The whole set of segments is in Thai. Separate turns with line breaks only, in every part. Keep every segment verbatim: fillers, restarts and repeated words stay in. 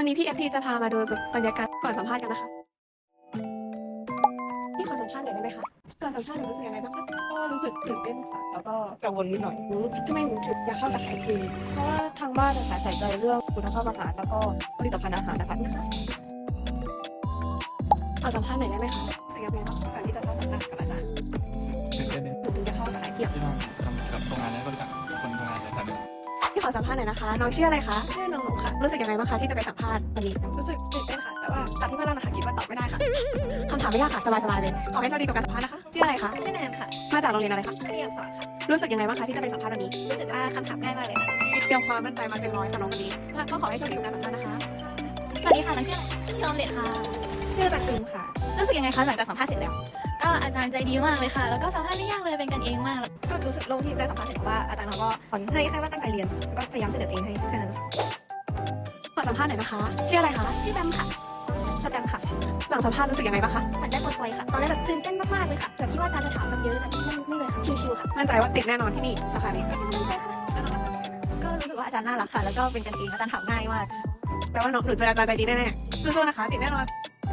วันนี้พี่เอฟทีจะพามาดูบรรยากาศก่อนสัมภาษณ์กันนะคะพี่ขอสัมภาษณ์หน่อยได้ไหมคะก่อนสัมภาษณ์หนูรู้สึกยังไงบ้างคะ
ก็รู้สึกตื่นเต้นค่ะแล้วก็กังวลนิดหน่อย
ทำไมหนูถึงอยากเข้าสาขาคลินิก
เพราะว่าทางบ้านนะคะใส่ใจเรื่องคุณภาพอาหารแล้วก็ผลิตภัณฑ์อาหารนะคะ
ขอสัมภาษณ์หน่อยได้ไหมคะรู้สึกยังไงบ้างก่อนที่จะเข้าสัมภาษณ์กับอาจารย์
ตื่นเต้นเลย
หนูถึงจะเข้าสาขาคลินิก
ที่ต้องทำกับโรงงานและบริษัทคนทำงานเลยครับ
พี่ขอสัมภาษณ์หน่อยนะคะน้องชื่ออะไรคะ
ชื่อน้องหนูค่ะ
รู้สึกยังไงบ้างคะที่จะไปสัมภาษณ์วันนี้
รู้สึกตื่นเต้นค่ะ แต่ว่าจากที่เพื่อนเรานะคะคิดว่าตอบไม่ได้ค่ะ
คำถามไม่ยากค่ะสบายๆเลยขอให้โชคดีกับการสัมภาษณ์นะคะชื่ออะไรคะ
ชื่อแนนค่ะ
มาจากโรงเรียนอะไรคะ
เรียนสอนค่ะ
รู้สึกยังไงบ้างคะที่จะไปสัมภาษณ์วันนี้
รู้สึกว่าคำถามง่ายมากเลยค่ะ
เตรียมความมั่นใจมาเป็นร้อยค่ะน้องวันนี้ก็ขอให้โชคดีกับการสัมภาษณ์นะคะ
สวัสดีค่ะน้องชื่ออะไรชื่อออมเล็ตค่ะ
ชื่อจากกลุ่มค่ะ
รู้สึกยังไงคะหลังจากสัมภาษณ์เสร็จแล้ว ก็อาจารย์ใจดีมากเลยค่ะ แล้วก็สัมภาษณ์ไม่ยากเลยเป็นกันเองมาก
ก็รู้สึกโล่งที่ได้สัมภาษณ์เสร็จเพราะว่าอาจารย์เขาก็สอนให้แค่ว่าตั้งใจเรียนแล้วก็พยายามช่วยเหลือตัวเองให้แค่นั้น
ขอสัมภาษณ์หน่อยนะคะชื่ออะไรคะ
พี่แบมค่ะ
สแตมป์ค่ะ
หลังสัมภาษณ์รู้สึกยังไงบ้างคะ
เหมือนได้ปลดปล่อยค่ะ ตอนแรกแบบตื่นเต้นมากๆเลยค่ะแบบคิดว่าอาจารย์จะถามแบบเยอะแต่ไม่ไม่เลยค่ะ ชิวๆค่ะ
มั่นใจว่าติดแน่นอนที่นี่สาขานี้
ก็รู้สึกว่าอาจารย์น่ารักค่ะ แล้วก็เป็นกันเองอาจารย์ถามง่ายมาก
แปลว่าน้องหนูเจออาจารย์ใจดีแน่ๆสู้ๆนะคะติดแน่นอน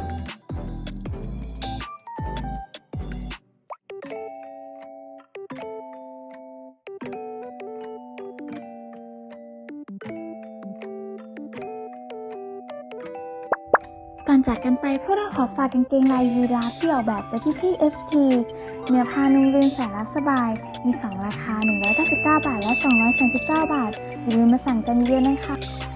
ก่อนจากกันไปพวกเราขอฝากกางเกงลายยีราฟที่ออกแบบโดยพี่พี่ เอฟ ที เนื้อผ้านุ่มลื่นแสนรักสบาย มีสองราคาหนึ่งร้อยเก้าสิบเก้าบาทและสองร้อยสามสิบเก้าบาทอย่าลืมมาสั่งกันเยอะนะคะ